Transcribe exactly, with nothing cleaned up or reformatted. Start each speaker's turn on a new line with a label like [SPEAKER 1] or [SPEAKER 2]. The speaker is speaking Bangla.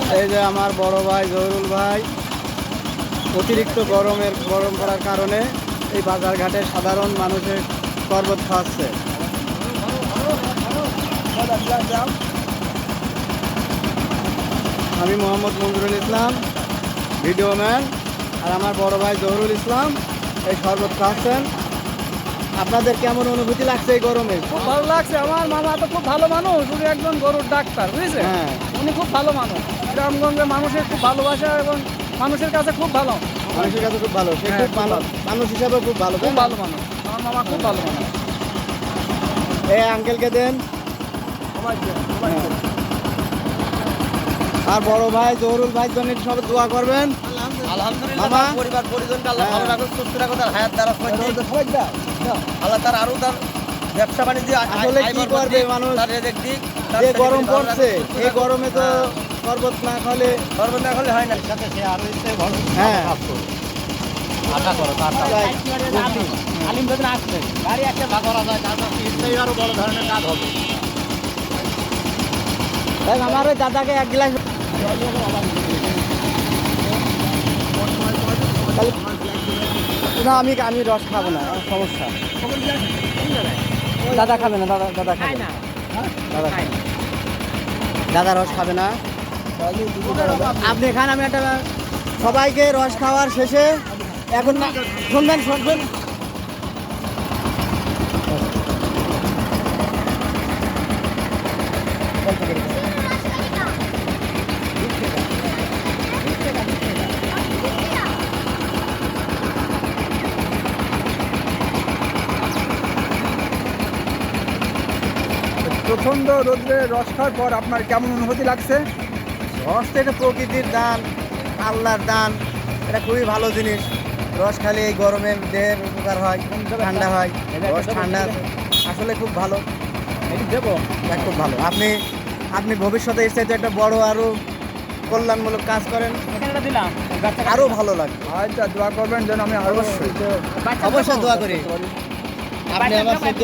[SPEAKER 1] এই যে আমার বড় ভাই জহুরুল ভাই অতিরিক্ত গরমের গরম করার কারণে এই বাজারঘাটে সাধারণ মানুষের শরবত খাওয়াচ্ছে। আমি মোহাম্মদ মঞ্জুরুল ইসলাম, ভিডিও ম্যান, আর আমার বড় ভাই জহুরুল ইসলাম এই শরবত খাওয়াচ্ছেন। আপনাদের কেমন অনুভূতি লাগছে এই গরমে?
[SPEAKER 2] খুব ভালো লাগছে। আমার মামা তো খুব ভালো মানুষ, উনি একজন গরুর ডাক্তার, বুঝেছে?
[SPEAKER 1] হ্যাঁ,
[SPEAKER 2] উনি খুব ভালো মানুষ, গ্রামগঞ্জে মানুষের খুব ভালোবাসা এবং মানুষের কাছে খুব ভালো,
[SPEAKER 1] মানুষের কাছে খুব ভালো, সে
[SPEAKER 2] হ্যাঁ,
[SPEAKER 1] খুব
[SPEAKER 2] খুব
[SPEAKER 1] ভালো
[SPEAKER 2] ভালো।
[SPEAKER 1] মানুষ হিসাবে খুব ভালো,
[SPEAKER 2] খুব ভালো মানুষ। আমার মামা খুব ভালো মানুষ।
[SPEAKER 1] এই আঙ্কেলকে দেন। হ্যাঁ। আর বড় ভাই জহুরুল ভাই জন্য সব দোয়া করবেন।
[SPEAKER 3] আলহামদুলিল্লাহ,
[SPEAKER 1] মামা?
[SPEAKER 3] তার পরিবার পরিজনকে আল্লাহ ভালো
[SPEAKER 1] হ্যাঁ।
[SPEAKER 3] রাখুক, সুস্থ রাখুক, তার হায়াত দ্বারা আল্লাহ তার আরো তার ব্যবসা বাণিজ্য আয়-
[SPEAKER 1] আসলে
[SPEAKER 3] আয়
[SPEAKER 1] কি
[SPEAKER 3] বরকত
[SPEAKER 1] করবে
[SPEAKER 3] দিক,
[SPEAKER 1] মানুষ?
[SPEAKER 3] তার রেজেক দিক, তার
[SPEAKER 1] যে
[SPEAKER 3] ছেলে
[SPEAKER 1] গরম
[SPEAKER 3] মেয়ে ভালো
[SPEAKER 1] পড়ছে
[SPEAKER 3] রাখুক, সুস্থ
[SPEAKER 1] এই
[SPEAKER 3] রাখুক।
[SPEAKER 1] গরমে তো
[SPEAKER 3] হ্যাঁ,
[SPEAKER 1] শরবত না খালে
[SPEAKER 3] শরবত না খেলে হয় না।
[SPEAKER 1] হ্যাঁ
[SPEAKER 3] আশা করো তার
[SPEAKER 1] তাই।
[SPEAKER 3] আলিম যদি আসবে গাড়ি একটা ভাগ করা যায়, তার কাছে আরো বড় ধরনের কাজ হবে।
[SPEAKER 1] দেখ আমার ওই দাদাকে এক গ্লাস তাহলে- না আমি আমি রস খাবো না, আমার সমস্যা। দাদা খাবে না, দাদা দাদা খাবে না, দাদা খাবে না। দাদা রস খাবে না। আপনি খান, আমি একটা সবাইকে রস খাওয়ার শেষে এখন না শুনবেন শুনবেন
[SPEAKER 2] প্রচণ্ড রোদ্রে রস খাওয়ার পর আপনার কেমন অনুভূতি লাগছে?
[SPEAKER 1] রস তো এটা প্রকৃতির দান, আল্লাহর দান, এটা খুবই ভালো জিনিস। রস খালে এই গরমে দেহের উপকার হয়, ঠান্ডা হয়, রস ঠান্ডা আসলে খুব ভালো।
[SPEAKER 2] দেবো
[SPEAKER 1] এটা খুব ভালো। আপনি আপনি ভবিষ্যতে এর চাইতে একটা বড় আরো কল্যাণমূলক কাজ করেন,
[SPEAKER 2] দিলাম,
[SPEAKER 1] আরো ভালো লাগবে।
[SPEAKER 2] আচ্ছা, দোয়া করবেন যেন আমি আরো
[SPEAKER 1] অবশ্যই অবশ্যই দোয়া করি। আপনি আমার